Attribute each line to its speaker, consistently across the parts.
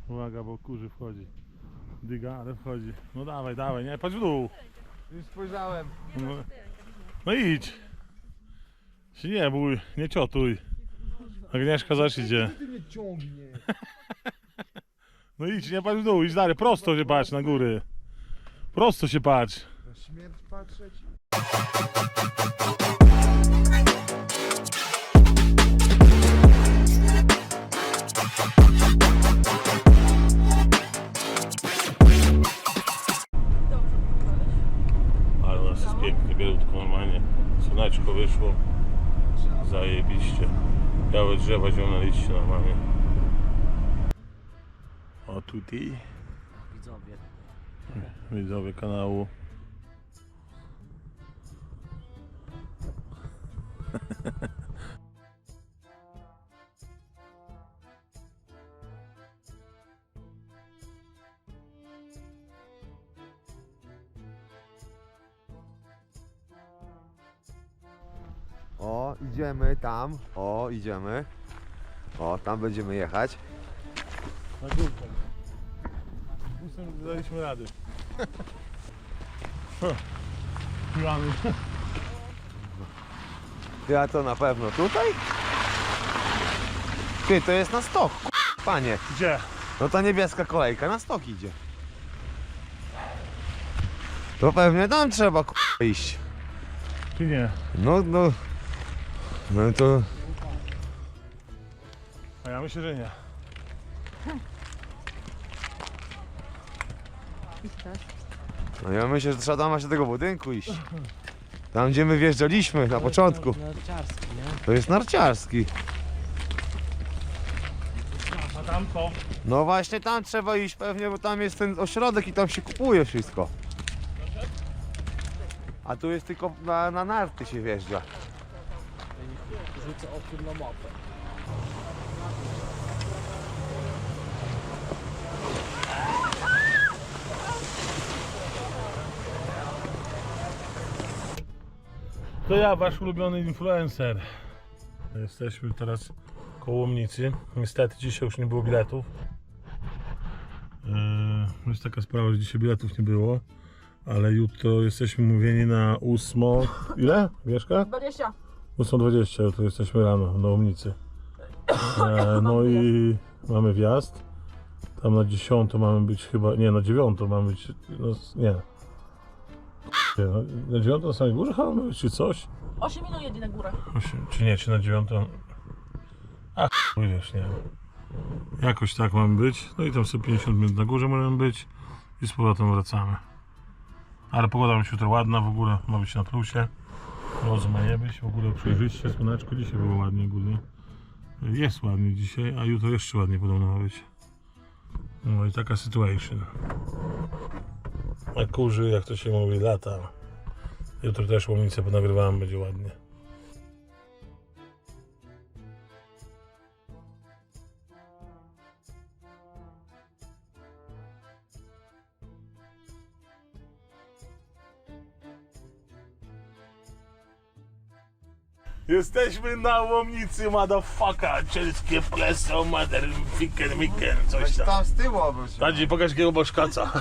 Speaker 1: Uwaga, bo kurzy wchodzi. Dyga, ale wchodzi. No dawaj, dawaj, nie, patrz w dół.
Speaker 2: Już spojrzałem.
Speaker 1: No idź. Się nie bój, nie ciotuj. Agnieszka zaś idzie.
Speaker 2: Ty mnie ciągnie.
Speaker 1: No idź, nie patrz w dół, idź dalej, prosto się patrz na góry. Prosto się patrz.
Speaker 2: Na śmierć patrzeć.
Speaker 1: Ale u nas jest pięknie, bielutko normalnie. Słoneczko wyszło. Zajebiście. Białe drzewa, zielone liście normalnie. O tutaj widzowie kanału.
Speaker 2: O, idziemy tam. O, idziemy. O, tam będziemy jechać.
Speaker 1: Na górkę. Busem daliśmy rady. Pijany.
Speaker 2: Ty, a to na pewno tutaj? Ty, to jest na stok, panie.
Speaker 1: Gdzie?
Speaker 2: No ta niebieska kolejka na stok idzie. To pewnie tam trzeba iść.
Speaker 1: Czy nie?
Speaker 2: No to...
Speaker 1: A ja myślę, że nie.
Speaker 2: No ja myślę, że trzeba tam właśnie do tego budynku iść. Tam gdzie my wjeżdżaliśmy na początku.
Speaker 3: Narciarski, nie?
Speaker 2: To jest narciarski.
Speaker 1: A tam co?
Speaker 2: No właśnie tam trzeba iść pewnie, bo tam jest ten ośrodek i tam się kupuje wszystko. A tu jest tylko na narty się wjeżdża.
Speaker 3: Rzucę okiem na mapę.
Speaker 1: To ja, wasz ulubiony influencer. Jesteśmy teraz koło Łomnicy. Niestety dzisiaj już nie było biletów. Jest taka sprawa, że dzisiaj biletów nie było. Ale jutro jesteśmy umówieni na 8. Ile? Wieszka?
Speaker 4: 20.
Speaker 1: 8:20, jutro jesteśmy rano na Łomnicy. No i mamy wjazd. Tam na 10 mamy być chyba. Nie, na 9 mamy być. No, nie. Na 9 na samej górze chyba mamy być, czy coś?
Speaker 4: 8 minut jedzie na górę.
Speaker 1: Czy nie, czy na 9? A chuj wiesz, nie wiem. Jakoś tak mamy być. No i tam sobie 50 minut na górze możemy być i z powrotem wracamy. Ale pogoda ma być jutro ładna w ogóle, ma być na plusie. Mrozu ma nie być, w ogóle przejrzyście, słoneczko dzisiaj było ładnie ogólnie. Jest ładnie dzisiaj, a jutro jeszcze ładnie podobno ma być. No i taka situation. A kurzy, jak to się mówi, lata. Jutro też Łomnicę ponagrywałem, będzie ładnie. Jesteśmy na Łomnicy, motherfucker, czeskie pleso, mother, miken, coś tam.
Speaker 2: Tam z tyłu obróć.
Speaker 1: Tadzi, pokaż jakiego boszkaca.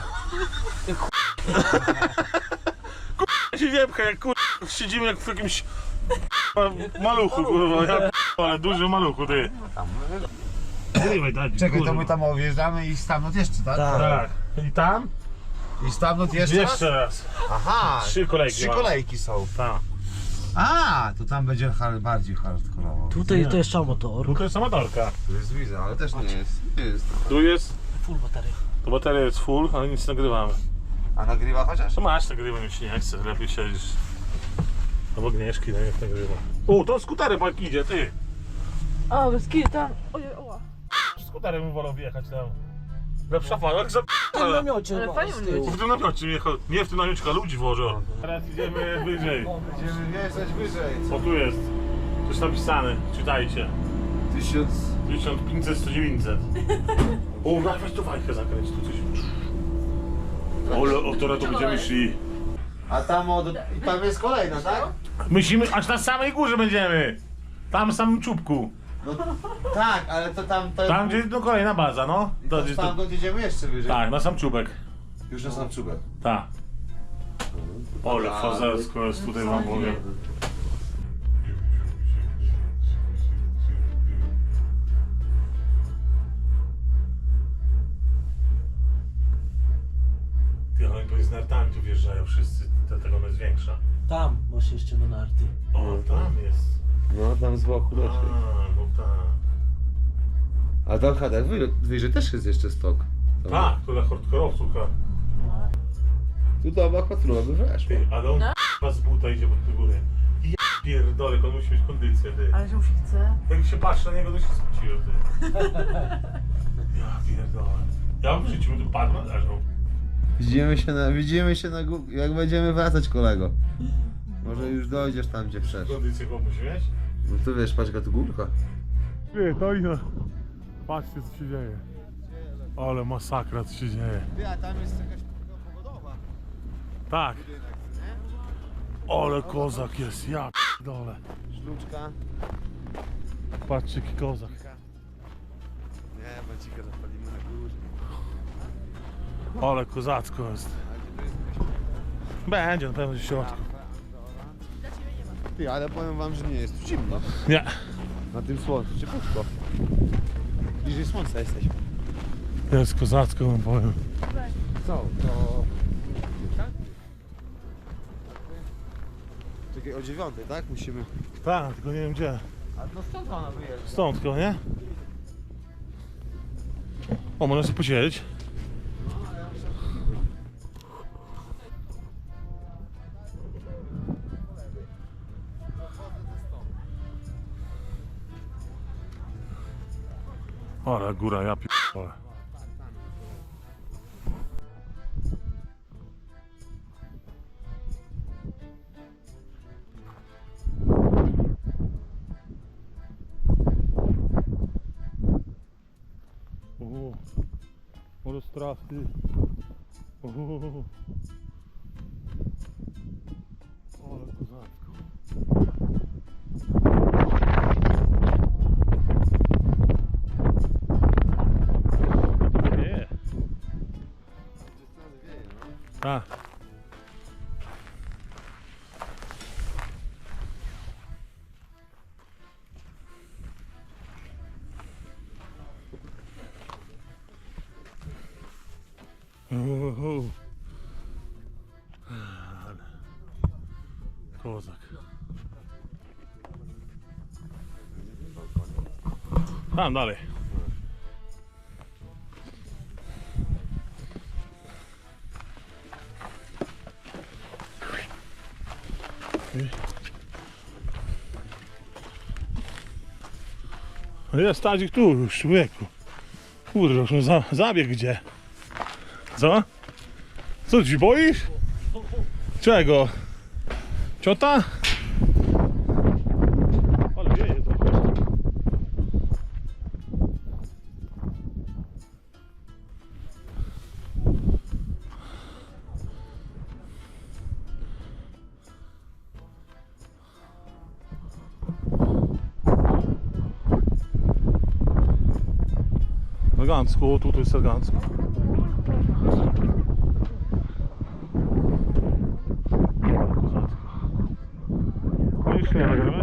Speaker 1: Kurwa się nie pcha, jak kurwa siedzimy jak w jakimś maluchu, kurwa, ja ale duży maluchu, ty. Zrywaj, Tadzi,
Speaker 2: Czekaj, to
Speaker 1: kurwa.
Speaker 2: my tam objeżdżamy i stamtąd jeszcze, tak?
Speaker 1: Tak, i tam?
Speaker 2: I stamtąd jeszcze raz?
Speaker 1: Jeszcze raz.
Speaker 2: Aha,
Speaker 1: 3 kolejki
Speaker 2: 3
Speaker 1: mamy.
Speaker 2: kolejki są.
Speaker 1: Tak.
Speaker 2: A, to tam będzie bardziej hardkorowo.
Speaker 3: Tutaj to jest motor.
Speaker 1: Tu to jest amatorka.
Speaker 2: Tu jest widzę, ale też nie jest.
Speaker 1: Tu jest,
Speaker 3: Full bateria.
Speaker 1: to bateria jest full, ale nic nie nagrywamy.
Speaker 2: A nagrywa chociaż?
Speaker 1: To masz, nagrywam, już nie chcę, lepiej siedzisz. Albo Agnieszki, no niech nagrywa. O, to skuterem jak idzie, ty.
Speaker 4: A, bez tam. Ojej, oła.
Speaker 1: Skuterem bym wolał wjechać tam. Lepsza fala, jak za...
Speaker 3: W tym namiocie
Speaker 4: Ale
Speaker 3: chyba,
Speaker 4: fajnie
Speaker 3: z tyłu.
Speaker 1: W tym namiocie jechał, nie w tym namiocie, tylko ludzi włożą. Teraz idziemy wyżej.
Speaker 2: Będziemy wjeżdżać wyżej.
Speaker 1: O, tu jest. Coś napisane, czytajcie.
Speaker 2: 1000.
Speaker 1: 1500, 1900. O, weź tu fajkę zakręć, tu coś. O, teraz to będziemy szli.
Speaker 2: A tam tam jest kolejna, tak?
Speaker 1: Myślimy, aż na samej górze będziemy. Tam w samym czubku.
Speaker 2: No, tak, ale to tam... To,
Speaker 1: Tam gdzie no kolejna baza, no. To, gdzieś
Speaker 2: tam
Speaker 1: to,
Speaker 2: jedziemy jeszcze wyżej.
Speaker 1: tak, na sam czubek.
Speaker 2: Już na sam czubek.
Speaker 1: Tak. Ole, fazersko jest tutaj wam powiem. Ty, ale oni z nartami tu wjeżdżają wszyscy, dlatego ona jest większa.
Speaker 3: Tam masz jeszcze na narty.
Speaker 1: O, tam jest.
Speaker 2: No, tam z boku
Speaker 1: A,
Speaker 2: też.
Speaker 1: no tak.
Speaker 2: A tam hadach wyżej też jest jeszcze stok. Tam.
Speaker 1: Tak, to dla hardkorowców.
Speaker 2: Tu do oba patrula by weszło.
Speaker 1: Ty, ale on k***a z buta idzie pod górę. Ja pierdolę, on musi mieć kondycję, ty.
Speaker 4: Ale że mu się chce.
Speaker 1: Jak się patrzy na niego, to się spociło, ty. Ja pierdolę. Ja bym w życiu tu padł, leżał.
Speaker 2: Widzimy się na jak będziemy wracać, kolego. Może już dojdziesz tam, gdzie przeszedł.
Speaker 1: Kondycję go musi mieć?
Speaker 2: No to wiesz, patrz jaka tu górka.
Speaker 1: Ty, to i no. Patrzcie, co się dzieje. Ale masakra, co się dzieje.
Speaker 2: Ty, a tam jest jakaś pogodowa.
Speaker 1: Tak. Ale kozak jest, ja pierdolę.
Speaker 2: Sztuczka.
Speaker 1: Patrzcie, jaki kozak.
Speaker 2: Nie, bącika zapalimy na górze.
Speaker 1: Ale kozacko jest. Będzie na pewno w środku.
Speaker 2: Ty, ale powiem wam, że nie jest tu zimno.
Speaker 1: Nie.
Speaker 2: Na tym słońcu, ciepłutko. Bliżej słońca jesteśmy.
Speaker 1: Jest kozacko, wam powiem.
Speaker 2: Co? To... Czekaj, o 9, tak? Musimy...
Speaker 1: Tak, tylko nie wiem gdzie.
Speaker 2: A no stąd ona wyjeżdża.
Speaker 1: Stąd tylko, nie? O, można sobie posiedzieć. Ale góra, ja pierdolę. O, może strach, ty. O, ale kozacko. Nie. Tak. Ale kozak. Tam dalej. Jest Tadzik tu już, człowieku. Kurde, już on zabieg gdzie? Co? Co, ci boisz? Czego? Ciota? Ale wieje to. Elegancko, tutaj jest elegancko. Już nie nagrywać?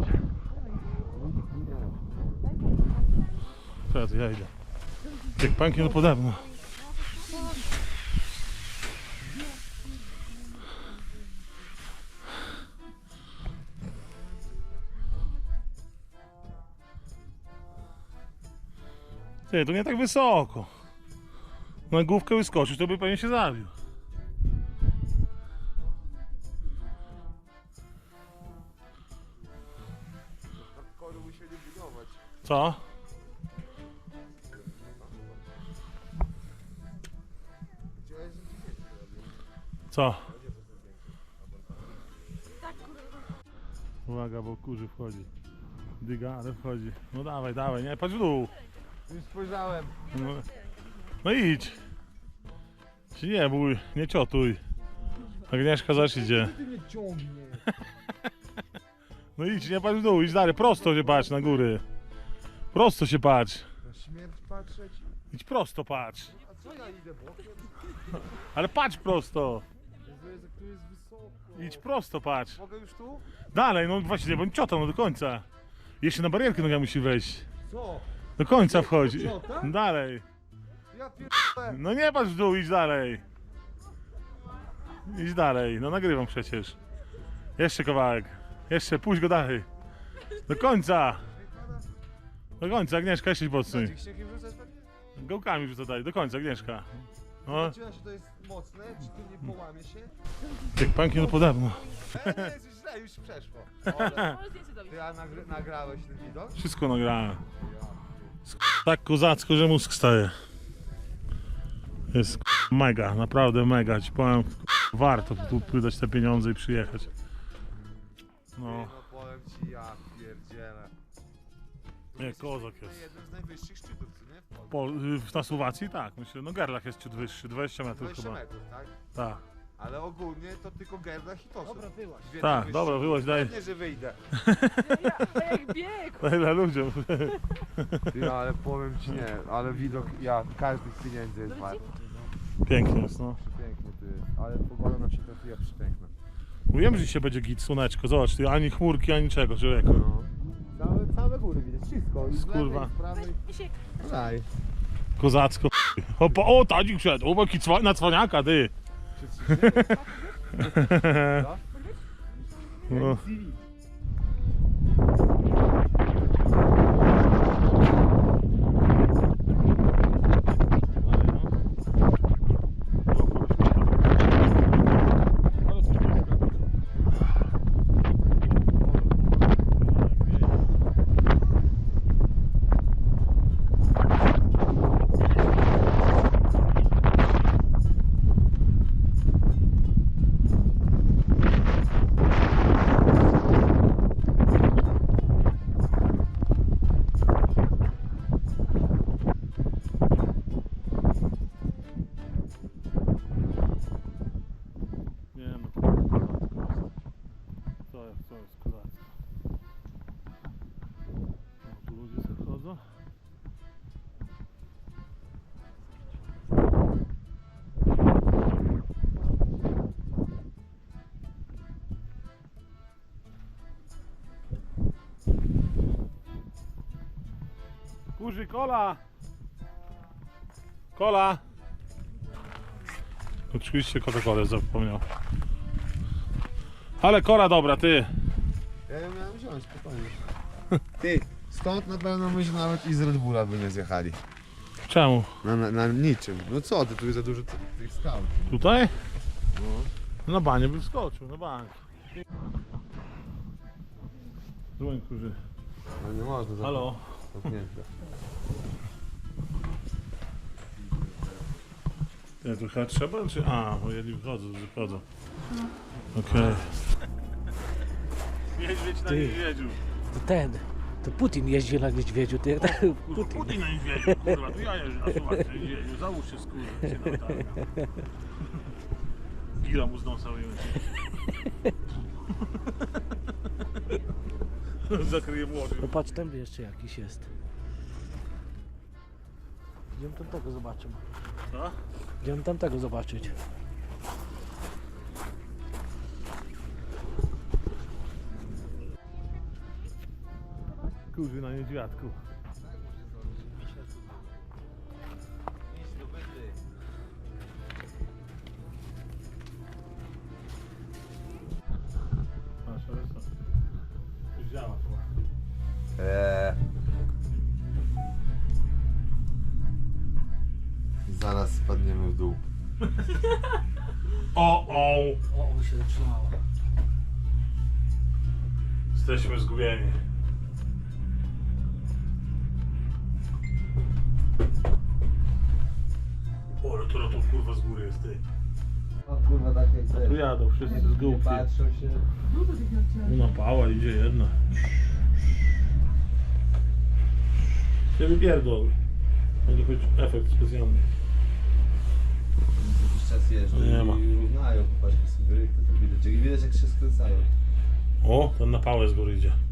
Speaker 1: Teraz ja idę. Jak pęknie, to pode mną. Ty, to nie tak wysoko. Na główkę wyskoczysz, to by pewnie się zabił.
Speaker 2: Kory musieli budować.
Speaker 1: Co? Co? Uwaga, bo kurzy wchodzi. Dyga, ale wchodzi. No dawaj, dawaj, nie, patrz w dół.
Speaker 2: Już spojrzałem.
Speaker 1: No, no idź. Się nie bój, nie ciotuj. Agnieszka zaś idzie.
Speaker 3: Ty mnie ciągnie.
Speaker 1: No idź, nie patrz w dół, idź dalej, prosto się patrz na góry. Prosto się patrz.
Speaker 2: Na śmierć patrzeć?
Speaker 1: Idź prosto patrz.
Speaker 2: A co ja idę bokiem?
Speaker 1: Ale patrz prosto.
Speaker 2: Jezu, tu jest wysoko.
Speaker 1: Idź prosto patrz.
Speaker 2: Mogę już tu?
Speaker 1: Dalej, no właśnie, bądź ciotą, no do końca. Jeszcze na barierkę noga musi wejść.
Speaker 2: Co?
Speaker 1: Do końca wchodzi.
Speaker 2: Ciota?
Speaker 1: Dalej.
Speaker 2: Ja pierdolę.
Speaker 1: No nie patrz w dół, idź dalej. Idź dalej, no nagrywam przecież. Jeszcze kawałek. Jeszcze, puść go dalej. Do końca. Do końca, Agnieszka, jeszcze podsuń.
Speaker 2: Czy śniegiem rzucać pewnie?
Speaker 1: Gołkami rzuca dalej, do końca, Agnieszka. No,
Speaker 2: Czy to jest mocne? Czy tu nie połamie się?
Speaker 1: jak panki no podobno.
Speaker 2: Nie, jest źle, już przeszło. Ale
Speaker 4: Może zdjęcie zrobić.
Speaker 2: ty nagrałeś ten widok?
Speaker 1: Wszystko nagrałem. Tak kozacko, że mózg staje. Jest mega, naprawdę mega. Ci powiem, warto tu wydać te pieniądze i przyjechać. No,
Speaker 2: No powiem ci, ja pierdzielę.
Speaker 1: nie, kozak
Speaker 2: To
Speaker 1: jest.
Speaker 2: jeden z najwyższych szczytów, co nie? W Polsce.
Speaker 1: Na Słowacji tak, myślę, no Gerlach jest ciut wyższy, 20 metrów
Speaker 2: 20
Speaker 1: chyba.
Speaker 2: metrów, tak?
Speaker 1: Tak,
Speaker 2: Ale ogólnie to tylko Gerdach i Tosów.
Speaker 3: Dobra, wyłaź.
Speaker 2: Dwie
Speaker 1: tak,
Speaker 2: najwyższe.
Speaker 1: dobra, wyłaź, daj.
Speaker 2: Pewnie, że wyjdę.
Speaker 4: Jak bieg.
Speaker 1: Daj dla ludziom.
Speaker 2: Ty, ale powiem ci nie, ale widok, każdy z pieniędzy jest wart.
Speaker 1: Pięknie jest, no.
Speaker 2: Piękny ty, ale pogoda nam się trafiła przepiękna.
Speaker 1: Mówiłem, że dzisiaj będzie git, słoneczko, zobacz, ty, ani chmurki, ani czego, człowieku.
Speaker 2: No. Całe góry widać, wszystko. I z lewej,
Speaker 1: Kurwa.
Speaker 2: i z prawej.
Speaker 4: Misiek.
Speaker 2: Daj.
Speaker 1: Kozacko. O, Tadzik wszedł, o, jaki na cwaniaka, ty. No. Nie no, to jest kozacko. O, tu ludzie sobie chodzą. Kurzy, kola! Kola! Oczywiście Coca-Colę zapomniał. Ale kola dobra, ty.
Speaker 2: Ja ją miałem wziąć, spokojnie. Ty, stąd na pewno myśmy nawet i z Red Bulla by nie zjechali.
Speaker 1: Czemu?
Speaker 2: Na niczym. No co ty, tu jest za dużo tych skał.
Speaker 1: Tutaj?
Speaker 2: No.
Speaker 1: Na banie by wskoczył, na banie. Dzwoń, kurzy.
Speaker 2: No nie można.
Speaker 1: Halo?
Speaker 2: Zamknięte.
Speaker 1: Nie, to chyba trzeba, czy... A, bo jedni wychodzą. Okej. Niedźwiedź na
Speaker 3: Ty.
Speaker 1: niedźwiedziu.
Speaker 3: To Putin jeździ na niedźwiedziu, ty tak,
Speaker 1: Kurwa, Putin na niedźwiedziu, kurwa, to ja jeżdżę na Słowacji na niedźwiedziu. Załóż się, skurwa, się na latarnię. Gira mu z nosa wyjąć. Zakryje młody.
Speaker 3: no patrz, tam jeszcze jakiś jest. Idziemy tamtego zobaczymy.
Speaker 1: Co?
Speaker 3: Idziemy tamtego zobaczyć.
Speaker 1: Kurzy na niedźwiadku. Masz, ale co? Już działa chyba.
Speaker 2: Zaraz spadniemy w dół.
Speaker 1: O!
Speaker 3: O, się zaczynało.
Speaker 1: Jesteśmy zgubieni. O, ale to kurwa z góry jest, ty.
Speaker 2: O kurwa, takie
Speaker 1: Tu jadą wszyscy z gółki.
Speaker 2: patrzą się.
Speaker 1: No pała idzie jedna. Nie wypierdol. Będzie choć efekt specjalny.
Speaker 2: Jakiś czas jeżdżą
Speaker 1: Nie ma.
Speaker 2: i równają, popatrzcie sobie, to widać jak się skręcają.
Speaker 1: O, ten na pałę z góry idzie.